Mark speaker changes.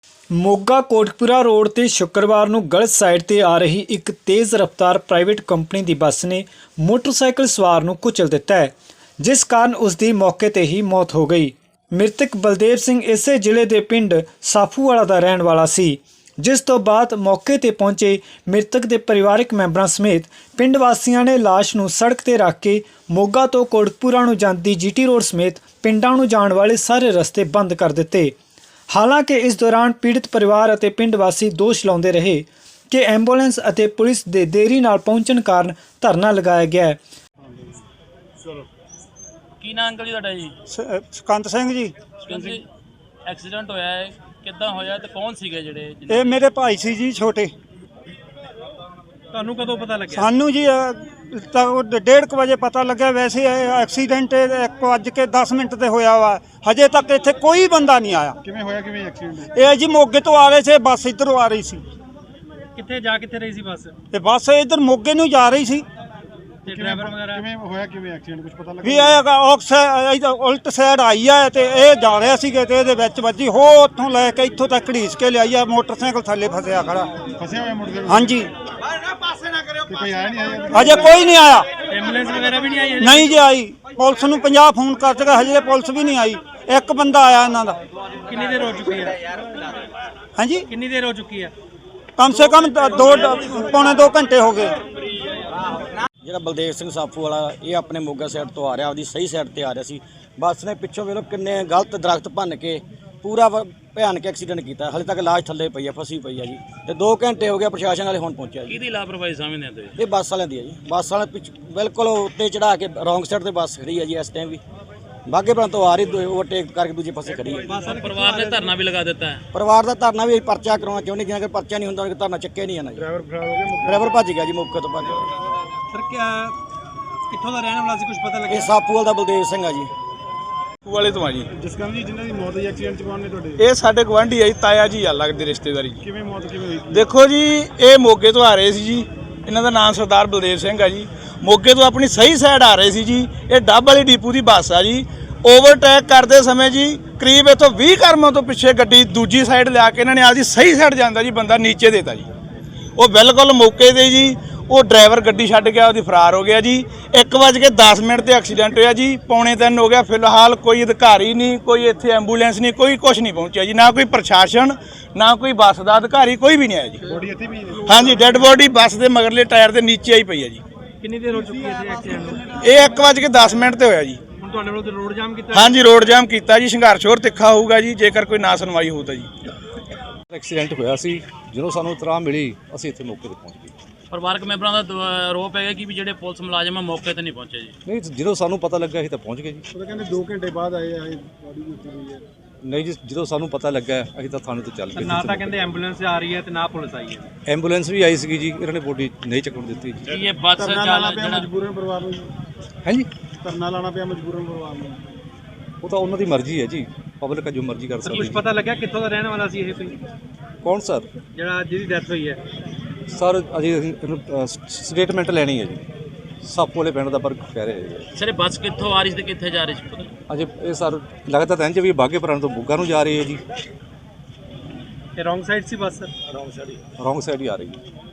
Speaker 1: Moga Kotkapura road ਤੇ ਸ਼ੁੱਕਰਵਾਰ ਨੂੰ ਗਲਤ ਸਾਈਡ ਤੇ ਆ ਰਹੀ ਇੱਕ ਤੇਜ਼ ਰਫ਼ਤਾਰ ਪ੍ਰਾਈਵੇਟ ਕੰਪਨੀ ਦੀ ਬੱਸ ਨੇ ਮੋਟਰਸਾਈਕਲ ਸਵਾਰ ਨੂੰ ਕੁਚਲ ਦਿੱਤਾ ਹੈ, ਜਿਸ ਕਾਰਨ ਉਸ ਦੀ ਮੌਕੇ ਤੇ ਹੀ ਮੌਤ ਹੋ ਗਈ। ਮ੍ਰਿਤਕ ਬਲਦੇਵ ਸਿੰਘ ਇਸੇ ਜ਼ਿਲ੍ਹੇ ਦੇ ਪਿੰਡ ਸਾਫੂਵਾਲਾ ਦਾ ਰਹਿਣ ਵਾਲਾ ਸੀ, ਜਿਸ ਤੋਂ ਬਾਅਦ ਮੌਕੇ ਤੇ ਪਹੁੰਚੇ ਮ੍ਰਿਤਕ ਦੇ ਪਰਿਵਾਰਕ ਮੈਂਬਰਾਂ ਸਮੇਤ ਪਿੰਡ ਵਾਸੀਆਂ ਨੇ ਲਾਸ਼ ਨੂੰ ਸੜਕ ਤੇ ਰੱਖ ਕੇ ਮੋਗਾ ਤੋਂ ਕੋਟਕਪੂਰਾ ਨੂੰ ਜਾਂਦੀ ਜੀਟੀ ਰੋਡ ਸਮੇਤ ਪਿੰਡਾਂ ਨੂੰ ਜਾਣ ਵਾਲੇ ਸਾਰੇ ਰਸਤੇ ਬੰਦ ਕਰ ਦਿੱਤੇ। ਹਾਲਾਂਕਿ ਇਸ ਦੌਰਾਨ ਪੀੜਤ ਪਰਿਵਾਰ ਅਤੇ ਪਿੰਡ ਵਾਸੀ ਦੋਸ਼ ਲਾਉਂਦੇ ਰਹੇ ਕਿ ਐਂਬੂਲੈਂਸ ਅਤੇ ਪੁਲਿਸ ਦੇ ਦੇਰੀ ਨਾਲ ਪਹੁੰਚਣ ਕਾਰਨ ਧਰਨਾ ਲਗਾਇਆ ਗਿਆ ਹੈ।
Speaker 2: ਕੀ ਨਾਂ ਅੰਕਲ ਜੀ ਤੁਹਾਡਾ ਜੀ?
Speaker 3: ਸਕੰਦ ਸਿੰਘ ਜੀ।
Speaker 2: ਜੀ ਐਕਸੀਡੈਂਟ ਹੋਇਆ ਹੈ, ਕਿੱਦਾਂ ਹੋਇਆ ਤੇ ਕੌਣ ਸੀਗੇ ਜਿਹੜੇ?
Speaker 3: ਇਹ ਮੇਰੇ ਭਾਈ ਸੀ ਜੀ ਛੋਟੇ।
Speaker 2: ਤੁਹਾਨੂੰ ਕਦੋਂ ਪਤਾ ਲੱਗਿਆ?
Speaker 3: ਸਾਨੂੰ ਜੀ ਤਾਂ 1:30 ਵਜੇ ਪਤਾ ਲੱਗਿਆ। ਵੈਸੇ ਐਕਸੀਡੈਂਟ 1:10 ਤੇ ਹੋਇਆ ਵਾ। ਹਜੇ ਤੱਕ ਇੱਥੇ ਕੋਈ ਬੰਦਾ ਨਹੀਂ ਆਇਆ।
Speaker 4: ਕਿਵੇਂ ਹੋਇਆ, ਕਿਵੇਂ ਐਕਸੀਡੈਂਟ?
Speaker 3: ਇਹ ਜੀ ਮੋਗੇ ਤੋਂ ਆ ਰਹੇ ਸੀ, ਬੱਸ ਇੱਧਰੋਂ ਆ ਰਹੀ ਸੀ।
Speaker 2: ਕਿੱਥੇ ਰਹੀ ਸੀ ਬੱਸ?
Speaker 3: ਤੇ ਬੱਸ ਇੱਧਰ ਮੋਗੇ ਨੂੰ ਜਾ ਰਹੀ ਸੀ।
Speaker 2: ਤੇ ਡਰਾਈਵਰ ਵਗੈਰਾ
Speaker 4: ਕਿਵੇਂ ਹੋਇਆ, ਕਿਵੇਂ ਐਕਸੀਡੈਂਟ ਕੁਝ ਪਤਾ
Speaker 3: ਵੀ
Speaker 4: ਲੱਗਾ?
Speaker 3: ਇਹ ਉਲਟ ਸਾਈਡ ਆਈ ਆ ਤੇ ਇਹ ਜਾ ਰਿਹਾ ਸੀਗੇ ਤੇ ਇਹਦੇ ਵਿੱਚ ਵੱਜੀ। ਹੋ ਉੱਥੋਂ ਲੈ ਕੇ ਇੱਥੋਂ ਤੱਕ ਘੜੀਸ ਕੇ ਲਿਆਈ ਆ। ਮੋਟਰਸਾਈਕਲ ਥੱਲੇ ਫਸਿਆ ਖੜਾ।
Speaker 4: ਫਸਿਆ ਹੋਇਆ ਮੋਟਰਸਾਈਕਲ?
Speaker 3: ਹਾਂਜੀ।
Speaker 4: ਤੇ ਕੋਈ ਆਇਆ ਨਹੀਂ? ਆਇਆ
Speaker 3: ਹਜੇ ਕੋਈ ਨਹੀਂ ਆਇਆ।
Speaker 2: ਐਂਬੂਲੈਂਸ ਵਗੈਰਾ ਵੀ ਨਹੀਂ ਆਈ?
Speaker 3: ਨਹੀਂ ਜੀ ਆਈ। ਪੁਲਿਸ ਨੂੰ 50 ਫੋਨ ਕਰ ਚੁੱਕਾ, ਹਜੇ ਪੁਲਿਸ ਵੀ ਨਹੀਂ ਆਈ। ਇੱਕ ਬੰਦਾ ਆਇਆ ਇਹਨਾਂ ਦਾ।
Speaker 2: ਕਿੰਨੀ ਦੇਰ ਹੋ ਚੁੱਕੀ ਹੈ?
Speaker 3: ਹਾਂਜੀ,
Speaker 2: ਕਿੰਨੀ ਦੇਰ ਹੋ ਚੁੱਕੀ ਹੈ?
Speaker 3: ਕਮ ਸੇ ਕਮ ਪੌਣੇ 2 ਘੰਟੇ ਹੋ ਗਏ।
Speaker 5: ਜਿਹੜਾ ਬਲਦੇਵ ਸਿੰਘ ਸਾਫੂ ਵਾਲਾ, ਇਹ ਆਪਣੇ ਮੋਗਾ ਸਾਈਡ ਤੋਂ ਆ ਰਿਹਾ, ਆਪਦੀ ਸਹੀ ਸਾਈਡ ਤੇ ਆ ਰਿਹਾ ਸੀ। ਬੱਸ ਨੇ ਪਿੱਛੋਂ ਵੇਖੋ ਕਿੰਨੇ ਗਲਤ ਦਰਖਤ ਭੰਨ ਕੇ ਪੂਰਾ ਭਿਆਨਕ ਐਕਸੀਡੈਂਟ ਕੀਤਾ। ਹਾਲੇ ਤੱਕ ਲਾਸ਼ ਥੱਲੇ ਪਈ ਆ, ਫਸੀ ਪਈ ਆ ਜੀ। ਤੇ 2 ਘੰਟੇ ਹੋ ਗਏ, ਪ੍ਰਸ਼ਾਸਨ ਵਾਲੇ ਹੁਣ ਪਹੁੰਚਿਆ ਜੀ।
Speaker 2: ਕਿਹਦੀ ਲਾਪਰਵਾਹੀ ਸਮਝਦੇ ਹੋ ਤੁਸੀਂ?
Speaker 5: ਇਹ ਬੱਸ ਵਾਲਿਆਂ ਦੀ ਆ ਜੀ। ਬੱਸ ਵਾਲੇ ਬਿਲਕੁਲ ਉੱਤੇ ਚੜਾ ਕੇ ਰੌਂਗ ਸਾਈਡ ਤੇ ਬੱਸ ਖੜੀ ਆ ਜੀ। ਇਸ ਟਾਈਮ ਵੀ ਬਾਘੇਪੁਰ ਤੋਂ ਆ ਰਹੀ, ਓਵਰਟੇਕ ਕਰਕੇ ਦੂਜੇ ਪਾਸੇ ਖੜੀ ਹੈ।
Speaker 2: ਪਰਿਵਾਰ ਨੇ ਧਰਨਾ ਵੀ ਲਗਾ ਦਿੱਤਾ ਹੈ।
Speaker 5: ਪਰਿਵਾਰ ਦਾ ਧਰਨਾ ਵੀ ਪਰਚਾ ਕਰਾਉਣਾ ਚਾਹੁੰਦੇ, ਜਿੰਨਾ ਕਿ ਪਰਚਾ ਨਹੀਂ ਹੁੰਦਾ ਧਰਨਾ ਚੱਕਿਆ ਨਹੀਂ ਜਾਣਾ ਜੀ।
Speaker 4: ਡਰਾਈਵਰ ਫਰਾਰ ਹੋ ਗਿਆ?
Speaker 5: ਡਰਾਈਵਰ ਭੱਜ ਗਿਆ ਜੀ, ਮੌਕੇ ਤੋਂ ਭੱਜ ਗਿਆ।
Speaker 2: ਸਰ ਕਿੱਥੋਂ ਦਾ ਰਹਿਣ ਵਾਲਾ ਸੀ, ਕੁਝ ਪਤਾ ਲੱਗਿਆ?
Speaker 5: ਇਹ ਸਾਫੂਵਾਲ ਦਾ ਬਲਦੇਵ ਸਿੰਘ ਆ ਜੀ।
Speaker 6: ਵਾਲੇ ਤੋਂ ਆ ਜੀ।
Speaker 4: ਜਸਕਰਨ ਜੀ, ਜਿਨ੍ਹਾਂ ਦੀ ਮੌਤ ਹੋਈ ਐਕਸੀਡੈਂਟ ਚ, ਕੌਣ ਨੇ ਤੁਹਾਡੇ?
Speaker 6: ਇਹ ਸਾਡੇ ਗਵਾਂਢੀ ਆ ਜੀ, ਤਾਇਆ ਜੀ ਆ, ਲੱਗਦੇ ਰਿਸ਼ਤੇਦਾਰੀ ਜੀ।
Speaker 4: ਕਿਵੇਂ ਮੌਤ ਕਿਵੇਂ ਹੋਈ?
Speaker 6: ਦੇਖੋ ਜੀ, ਇਹ ਮੋਗੇ ਤੋਂ ਆ ਰਹੇ ਸੀ ਜੀ। ਇਹਨਾਂ ਦਾ ਨਾਮ ਸਰਦਾਰ ਬਲਦੇਵ ਸਿੰਘ ਆ ਜੀ। ਮੋਗੇ ਤੋਂ ਆਪਣੀ ਸਹੀ ਸਾਈਡ ਆ ਰਹੇ ਸੀ ਜੀ। ਇਹ ਡੱਬ ਵਾਲੀ ਡੀਪੂ ਦੀ ਬੱਸ ਆ ਜੀ। ਓਵਰਟੇਕ ਕਰਦੇ ਸਮੇਂ ਜੀ ਕਰੀਬ ਇੱਥੋਂ 20 ਕਰਮਾਂ ਤੋਂ ਪਿੱਛੇ ਗੱਡੀ ਦੂਜੀ ਸਾਈਡ ਲਿਆ ਕੇ ਇਹਨਾਂ ਨੇ ਆਪਦੀ ਸਹੀ ਸਾਈਡ ਜਾਂਦਾ ਜੀ ਬੰਦਾ ਨੀਚੇ ਦੇਤਾ ਜੀ। ਉਹ ਬਿਲਕੁਲ ਮੌਕੇ ਤੇ ਜੀ ਉਹ ਡਰਾਈਵਰ ਗੱਡੀ ਛੱਡ ਗਿਆ, ਉਹਦੀ ਫਰਾਰ ਹੋ ਗਿਆ ਜੀ। 1:10 ਤੇ ਐਕਸੀਡੈਂਟ ਹੋਇਆ ਜੀ। 2:45 ਹੋ ਗਿਆ। ਫਿਲਹਾਲ ਕੋਈ ਅਧਿਕਾਰੀ ਨਹੀਂ, ਕੋਈ ਇੱਥੇ ਐਂਬੂਲੈਂਸ ਨਹੀਂ, ਕੋਈ ਕੁਝ ਨਹੀਂ ਪਹੁੰਚਿਆ ਜੀ। ਨਾ ਕੋਈ ਪ੍ਰਸ਼ਾਸਨ, ਨਾ ਕੋਈ ਬੱਸ ਦਾ ਅਧਿਕਾਰੀ, ਕੋਈ ਵੀ ਨਹੀਂ ਆਇਆ ਜੀ।
Speaker 4: ਬੋਡੀ ਇੱਥੇ ਵੀ ਹੈ?
Speaker 6: ਹਾਂਜੀ, ਡੈੱਡ ਬੋਡੀ ਬੱਸ ਦੇ ਮਗਰਲੇ ਟਾਇਰ ਦੇ ਨੀਚੇ ਆਈ ਪਈ ਹੈ ਜੀ।
Speaker 2: ਕਿੰਨੀ ਦੇਰ ਹੋ ਚੁੱਕੀ ਹੈ ਐਕਸੀਡੈਂਟ ਨੂੰ?
Speaker 6: ਇਹ 1:10 ਤੇ ਹੋਇਆ ਜੀ।
Speaker 2: ਹੁਣ ਤੁਹਾਡੇ ਵੱਲੋਂ ਰੋਡ ਜਾਮ ਕੀਤਾ?
Speaker 6: ਹਾਂਜੀ, ਰੋਡ ਜਾਮ ਕੀਤਾ ਜੀ। ਸੰਘਰਸ਼ ਹੋਰ ਤਿੱਖਾ ਹੋਊਗਾ ਜੀ ਜੇਕਰ ਕੋਈ ਨਾ ਸੁਣਵਾਈ ਹੋਊ ਤਾਂ ਜੀ।
Speaker 7: ਐਕਸੀਡੈਂਟ ਹੋਇਆ ਸੀ, ਜਦੋਂ ਸਾਨੂੰ ਇਤਲਾਹ ਮਿਲੀ ਅਸੀਂ ਇੱਥੇ ਮੌਕੇ ਤੇ ਪਹੁੰਚ ਗਏ।
Speaker 2: ਪਰਿਵਾਰਕ ਮੈਂਬਰਾਂ ਦਾ ਆਰੋਪ ਹੈਗਾ ਕਿ ਵੀ ਜਿਹੜੇ ਪੁਲਿਸ ਮੁਲਾਜ਼ਮ ਆ ਮੌਕੇ ਤੇ ਨਹੀਂ ਪਹੁੰਚੇ ਜੀ।
Speaker 7: ਨਹੀਂ, ਜਦੋਂ ਸਾਨੂੰ ਪਤਾ ਲੱਗਾ ਅਸੀਂ ਤਾਂ ਪਹੁੰਚ ਗਏ ਜੀ।
Speaker 4: ਉਹ ਤਾਂ ਕਹਿੰਦੇ 2 ਘੰਟੇ ਬਾਅਦ ਆਏ ਆ, ਇਹ ਬੋਡੀ ਉੱਥੇ ਹੋਈ ਹੈ।
Speaker 7: ਨਹੀਂ ਜੀ, ਜਦੋਂ ਸਾਨੂੰ ਪਤਾ ਲੱਗਾ ਅਸੀਂ ਤਾਂ ਥਾਣੇ ਤੋਂ ਚੱਲ ਗਏ।
Speaker 2: ਨਾ ਤਾਂ ਕਹਿੰਦੇ ਐਂਬੂਲੈਂਸ ਆ ਰਹੀ ਹੈ ਤੇ ਨਾ ਪੁਲਿਸ ਆਈ ਹੈ।
Speaker 7: ਐਂਬੂਲੈਂਸ ਵੀ ਆਈ ਸੀਗੀ ਜੀ, ਇਹਨਾਂ ਨੇ ਬੋਡੀ ਨਹੀਂ ਚੱਕਣ ਦਿੱਤੀ ਜੀ।
Speaker 2: ਕੀ ਇਹ ਬੱਸ
Speaker 4: ਧਰਨਾ ਲਾਣਾ ਪਿਆ
Speaker 2: ਜਿਹੜਾ
Speaker 4: ਮਜਬੂਰਨ ਪਰਿਵਾਰ ਨੂੰ?
Speaker 7: ਹਾਂਜੀ,
Speaker 4: ਧਰਨਾ ਲਾਣਾ ਪਿਆ ਮਜਬੂਰਨ ਪਰਿਵਾਰ ਨੂੰ?
Speaker 7: ਉਹ ਤਾਂ ਉਹਨਾਂ ਦੀ ਮਰਜ਼ੀ ਹੈ ਜੀ। ਪਬਲਿਕ ਜੋ ਮਰਜ਼ੀ ਕਰ ਸਕਦੀ
Speaker 2: ਕੁਝ
Speaker 7: ਹੈ।
Speaker 2: ਪਤਾ ਲੱਗਿਆ ਕਿੱਥੋਂ ਦਾ ਰਹਿਣ ਵਾਲਾ ਸੀ ਇਹ ਕੋਈ,
Speaker 7: ਕੌਣ ਸਰ?
Speaker 2: ਜਿਹੜਾ ਜਿਹਦੀ ਡੈਥ ਹੋਈ ਹੈ?
Speaker 7: ਸਰ ਅਜੇ ਸਟੇਟਮੈਂਟ ਲੈਣੀ ਹੈ ਜੀ। ਸਾਪੂ ਵਾਲੇ ਪਿੰਡ ਦਾ ਪਰ ਕਹਿ ਰਹੇ ਜੀ।
Speaker 2: ਸਰ ਇਹ ਬੱਸ ਕਿੱਥੋਂ ਆ ਰਹੀ ਸੀ ਤੇ ਕਿੱਥੇ ਜਾ ਰਹੀ ਸੀ ਪਤਾ?
Speaker 7: ਅਜੇ ਇਹ ਸਰ ਲੱਗਦਾ ਤਾਂ ਇੰਝ ਵੀ ਬਾਘੇਪੁਰ ਤੋਂ ਮੋਗਾ ਨੂੰ ਜਾ ਰਹੀ ਹੈ ਜੀ।
Speaker 2: ਇਹ ਰੋਂਗ ਸਾਈਡ ਸੀ ਬੱਸ?
Speaker 7: ਰੌਂਗ ਸਾਈਡ ਹੀ ਆ ਰਹੀ ਹੈ।